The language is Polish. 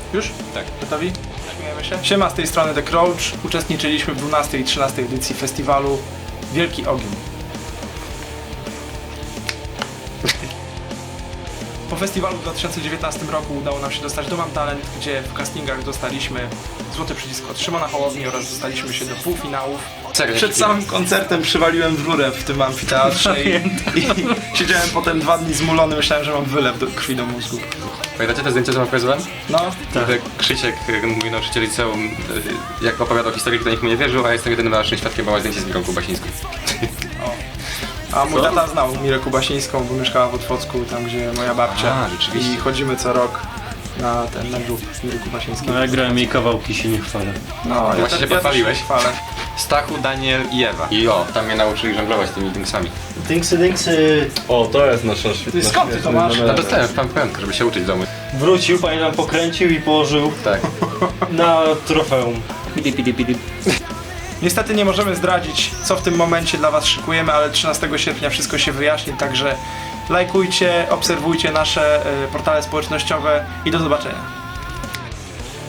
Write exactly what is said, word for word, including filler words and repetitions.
Już? Tak. Gotowi? Śmiejemy się? Siema, z tej strony The Crouch. Uczestniczyliśmy w dwunastej i trzynastej edycji festiwalu Wielki Ogień. Po festiwalu w dwa tysiące dziewiętnastym roku udało nam się dostać do Mam Talent, gdzie w castingach dostaliśmy złoty przycisk od Szymona Hołowni oraz dostaliśmy się do półfinałów. Czekaj, Przed samym koncertem przywaliłem w rurę w tym amfiteatrze i, i siedziałem potem dwa dni zmulony, myślałem, że mam wylew do krwi do mózgu. Pamiętacie te zdjęcia, co wam pokazywałem? No, Tak. Krzysiek, mój nauczyciel liceum, jak opowiadał historię, kto nikt mu nie wierzył, a ja jestem jedynym naszym świadkiem, bo ma zdjęcie z Mirą Kubasińską. a mój tata znał Mirę Kubasińską, bo mieszkała w Otwocku, tam gdzie moja babcia. A, rzeczywiście. I chodzimy co rok na ten, na grób Miry Kubasińskiej. No ja grałem jej kawałki, się nie chwalę. No, ja Właśnie też- się ja też pochwaliłeś. się chwalę. Stachu, Daniel i Ewa. I o, tam mnie nauczyli żonglować tymi dingsami. Dinksy, dinksy! O, to jest nasza świetna. Ty skąd ty to masz? No dostałem w pamiątkę, żeby się uczyć w domu. Wrócił, pani nam pokręcił i położył Tak. na trofeum. Niestety nie możemy zdradzić, co w tym momencie dla was szykujemy, ale trzynastego sierpnia wszystko się wyjaśni, także lajkujcie, obserwujcie nasze y, portale społecznościowe i do zobaczenia.